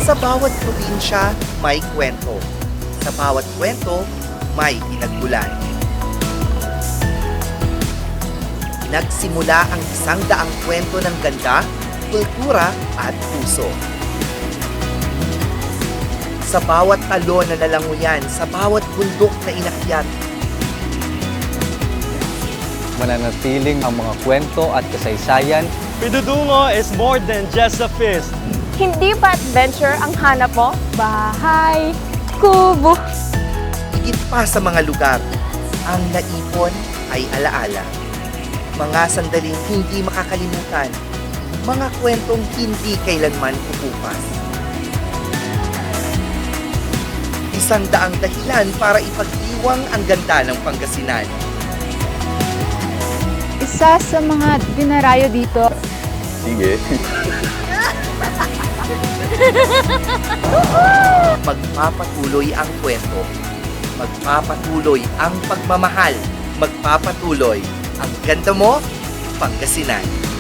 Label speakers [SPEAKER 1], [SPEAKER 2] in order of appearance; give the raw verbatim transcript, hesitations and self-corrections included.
[SPEAKER 1] Sa bawat probinsya, may kwento. Sa bawat kwento, may pinagmulan. Nagsimula ang isang daang kwento ng ganda, kultura at puso. Sa bawat talo na nalanguyan, sa bawat bundok na inakyat,
[SPEAKER 2] Mananatiling ang mga kwento at kasaysayan.
[SPEAKER 3] Pidudungo is more than just a feast.
[SPEAKER 4] Hindi ba adventure ang hanap mo? Bahay, kubo.
[SPEAKER 1] higit pa sa mga lugar, ang naipon ay alaala. Mga sandaling hindi makakalimutan, mga kwentong hindi kailanman pupupas. Isang daang dahilan para ipagdiwang ang ganda ng Pangasinan.
[SPEAKER 5] Isa sa mga dinarayo dito.
[SPEAKER 6] Sige.
[SPEAKER 1] Magpapatuloy ang kwento. Magpapatuloy ang pagmamahal. Magpapatuloy ang ganda mo, Pangasinan.